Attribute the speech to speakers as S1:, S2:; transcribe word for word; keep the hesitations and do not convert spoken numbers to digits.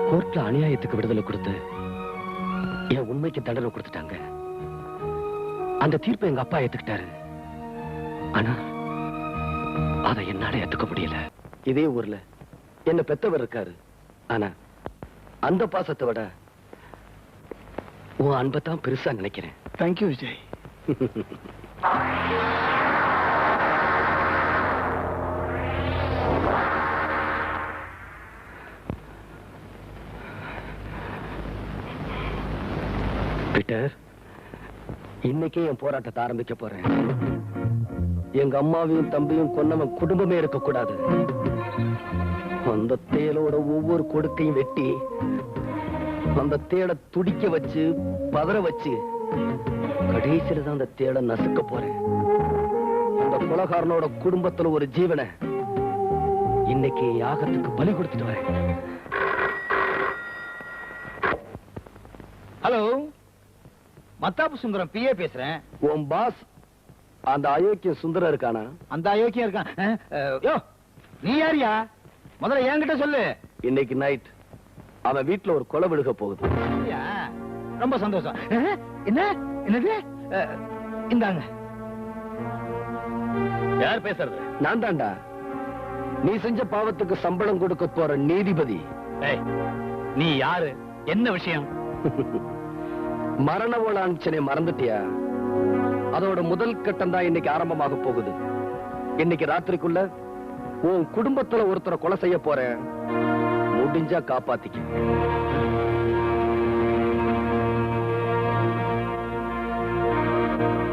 S1: கோர்ட்ல அநியாயத்துக்கு விடுதலை கொடுத்து என் உண்மைக்கு தண்டனை கொடுத்துட்டாங்க. அந்த தீர்ப்பை எங்க அப்பா ஏத்துக்கிட்டாரு. ஆனா அதை என்னால ஏத்துக்க முடியல. இதே ஊர்ல என்ன பெத்தவர் இருக்காரு. ஆனா அந்த பாசத்தை விட உன் அன்பை தான் பெருசா நினைக்கிறேன்.
S2: தேங்க்யூ விஜய்.
S1: பீட்டர், இன்னைக்கே என் போராட்டத்தை ஆரம்பிக்க போறேன். எங்க அம்மாவையும் தம்பியும் கொன்னவன் குடும்பமே இருக்கக்கூடாது. அந்த தேளோட ஒவ்வொரு கொடுக்கையும் வெட்டி அந்த தேளை துடிக்க வச்சு பதற வச்சு கடைசியில தான் அந்த தேளை நசுக்க போறேன். அந்த கொலகாரனோட குடும்பத்துல ஒரு ஜீவனை இன்னைக்கு யாகத்துக்கு பலி கொடுத்துட்டு வரேன்.
S2: ஹலோ, மத்தாப்பு சுந்தரம் பிஏ பேசுறேன்.
S1: உன் பாஸ் அந்த அயோக்கிய சுந்தரம் இருக்கானா?
S2: அந்த அயோக்கியம் இருக்கான். யோ, நீ யாரியா? முதல்ல என்கிட்ட சொல்லு.
S1: இன்னைக்கு நைட் அவன் வீட்டுல ஒரு கொலை விழுக போகுது.
S2: ரொம்ப சந்தோஷம். என்ன என்னது? இந்தாங்க.
S1: யார் பேசுறது? நான் தான்டா. நீ செஞ்ச பாவத்துக்கு சம்பளம் கொடுக்க போற நீதிபதி.
S2: நீ யாரு? என்ன விஷயம்?
S1: மரண ஓலாஞ்சனை மறந்துட்டியா? அதோட முதல் கட்டம் தான் இன்னைக்கு ஆரம்பமாக போகுது. இன்னைக்கு ராத்திரிக்குள்ள உன் குடும்பத்துல ஒருத்தரை கொலை செய்ய போறேன். முடிஞ்சா காப்பாத்திக்க.